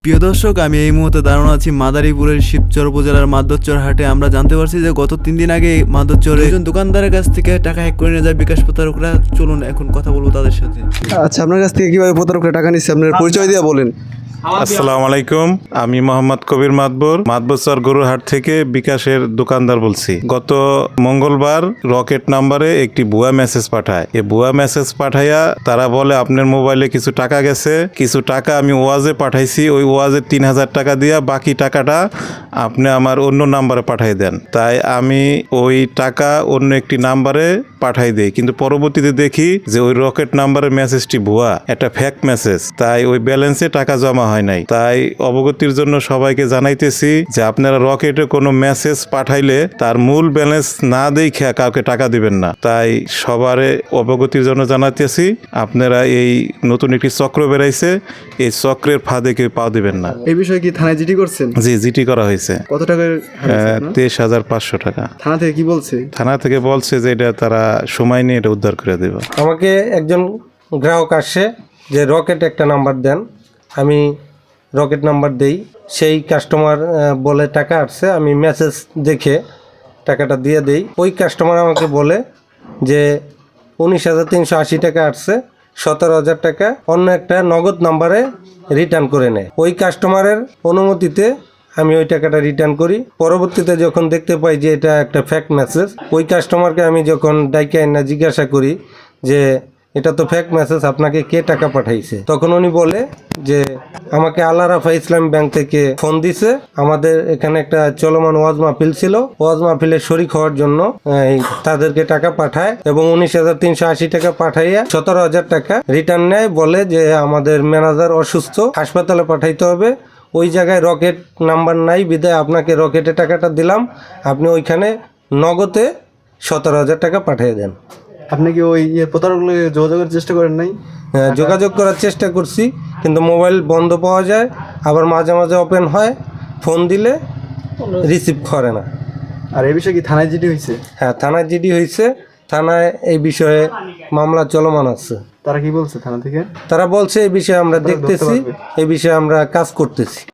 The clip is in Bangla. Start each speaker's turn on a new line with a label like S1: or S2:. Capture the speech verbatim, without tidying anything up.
S1: প্রিয় দর্শক, আমি এই মুহূর্তে দাঁড়ানো আছি মাদারীপুরের শিবচর উপজেলার মাদরচর হাটে। আমরা জানতে পারছি যে গত তিন দিন আগে মাদরচরে একজন দোকানদারের কাছ থেকে টাকা হ্যাক করে নিয়ে যায় বিকাশ প্রতারকরা। চলুন এখন কথা বলবো তাদের সাথে।
S2: আচ্ছা, আপনার কাছ থেকে কিভাবে প্রতারকরা টাকা নিচ্ছে আপনার পরিচয় দিয়ে বলেন।
S3: আসসালামু আলাইকুম, আমি মোহাম্মদ কবির মাতবর মাতবরচর গরুহাট থেকে বিকাশের দোকানদার বলছি। গত মঙ্গলবার রকেট নাম্বারে একটি ভুয়া মেসেজ পাঠায়। এই ভুয়া মেসেজ পাঠাইয়া তারা বলে আপনার মোবাইলে কিছু টাকা গেছে, কিছু টাকা আমি ওয়াজে পাঠাইছি, ওই ওয়াজে তিন হাজার টাকা দিয়া বাকি টাকাটা আপনি আমার অন্য নাম্বারে পাঠাই দেন। তাই আমি ওই টাকা অন্য একটি নাম্বারে পাঠাই দেই, কিন্তু পরবর্তীতে দেখি যে ওই রকেট নাম্বারের মেসেজটি ভুয়া, একটা ফেক মেসেজ। তাই ওই ব্যালেন্সে টাকা জমা হয় নাই। তাই অবগতির জন্য সবাইকে জানাইতেছি যে আপনারা রকেটে কোনো মেসেজ পাঠাইলে তার মূল ব্যালেন্স না দেখে কাউকে টাকা দিবেন না। তাই সবারে অবগতির জন্য জানাইতেছি, আপনারা এই নতুন একটি চক্র বেরাইছে, এই চক্রের ফাঁদে কেউ পা দিবেন না।
S2: এই বিষয়ে কি থানায় জিডি করছেন?
S3: জি, জিটি করা হয়েছে।
S2: কত টাকার?
S3: তেইশ হাজার পাঁচশো টাকা।
S2: থানা থেকে কি বলছে?
S3: থানা থেকে বলছে যে এটা তারা সময় নিয়ে এটা উদ্ধার করে দেবে।
S4: আমাকে একজন গ্রাহক আসে যে রকেট একটা নাম্বার দেন, আমি রকেট নাম্বার দেই। সেই কাস্টমার বলে টাকা আসছে, আমি মেসেজ দেখে টাকাটা দিয়ে দেই। ওই কাস্টমার আমাকে বলে যে উনিশ হাজার তিনশো আশি টাকা আসছে, সতেরো হাজার টাকা অন্য একটা নগদ নাম্বারে রিটার্ন করে নেয়। ওই কাস্টমারের অনুমতিতে আমি ওই টাকাটা রিটার্ন করি। পরবর্তীতে যখন দেখতে পাই যে এটা একটা ফেক মেসেজ, ওই কাস্টমারকে আমি যখন ডাইকে না জিজ্ঞাসা করি যে এটা তো ফেক মেসেজ, আপনাকে কে টাকা পাঠাইছে, তখন উনি বলে যে আমাকে আল্লাহ রাফা ইসলাম ব্যাংক থেকে ফোন দিছে, আমাদের এখানে একটা চলমান ওয়াজ মাহফিল ছিল, ওয়াজ মাহফিলে শরিক হওয়ার জন্য তাদেরকে টাকা পাঠায় এবং উনিশ হাজার তিনশো আশি টাকা পাঠাইয়া সতেরো হাজার টাকা রিটার্ন নেয়। বলে যে আমাদের ম্যানেজার অসুস্থ, হাসপাতালে পাঠাইতে হবে, ওই জায়গায় রকেট নাম্বার নাই, বিদায় আপনাকে রকেটে টাকাটা দিলাম, আপনি ওইখানে নগদে সতেরো হাজার টাকা পাঠিয়ে দেন।
S2: আপনি কি ওই প্রতারকগুলো যোগাযোগের চেষ্টা করেন নাই?
S4: হ্যাঁ, যোগাযোগ করার চেষ্টা করছি, কিন্তু মোবাইল বন্ধ পাওয়া যায়, আবার মাঝে মাঝে ওপেন হয়, ফোন দিলে রিসিভ করে না।
S2: আর এই বিষয়ে কি থানায় জিডি হয়েছে?
S4: হ্যাঁ, থানায় জিডি হয়েছে, থানায় এই বিষয়ে মামলা চলমান আছে।
S2: তারা কি বলছে থানা থেকে?
S4: তারা বলছে এই বিষয়ে আমরা দেখতেছি, এই বিষয়ে আমরা কাজ করতেছি।